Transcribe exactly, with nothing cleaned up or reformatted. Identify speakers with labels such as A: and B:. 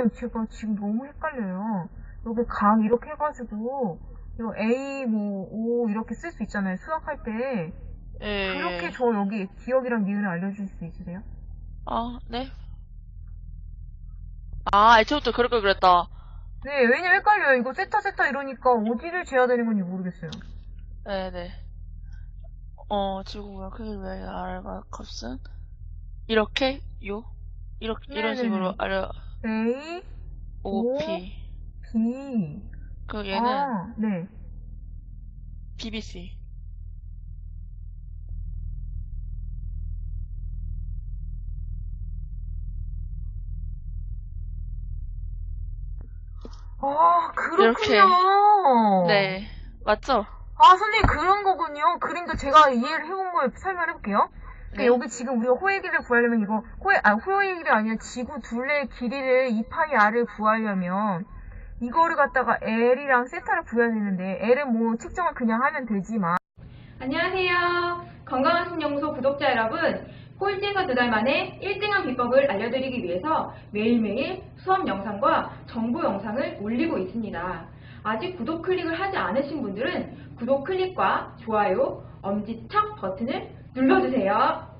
A: 네, 제가 지금 너무 헷갈려요. 여기 각 이렇게 해가지고, 이거 A, 뭐, O 이렇게 쓸 수 있잖아요. 수학할 때.
B: 예,
A: 그렇게
B: 예.
A: 저 여기 기억이랑 니은을 알려줄 수 있으세요?
B: 아, 네. 아, 애초부터 그럴 걸 그랬다.
A: 네, 왜냐면 헷갈려요. 이거 세타 세타 이러니까 어디를 재야 되는 건지 모르겠어요.
B: 네네. 어, 지구보다 크기 왜 알과 값은 이렇게 요 이렇게 이런 식으로
A: 네네네.
B: 알려.
A: A, O,
B: 오피.
A: B.
B: 그 얘는
A: 아, 네.
B: 비비씨.
A: 아,
B: 이렇게.
A: 그렇군요.
B: 네. 맞죠?
A: 아, 선생님, 그런 거군요. 그러니까 제가 이해를 해본 걸 설명해볼게요. 그러니까
B: 네.
A: 여기 지금 우리가 호의 길이를 구하려면 이거, 호의, 아, 호의 길이 아니라 지구 둘레의 길이를 이 파이 r을 구하려면 이거를 갖다가 L이랑 세타를 구해야 되는데, L은 뭐 측정을 그냥 하면 되지만.
C: 안녕하세요. 건강한 신연구소 구독자 여러분, 꼴찌가 두 달 만에 일 등한 비법을 알려드리기 위해서 매일매일 수업 영상과 정보 영상을 올리고 있습니다. 아직 구독 클릭을 하지 않으신 분들은 구독 클릭과 좋아요, 엄지척 버튼을 눌러주세요.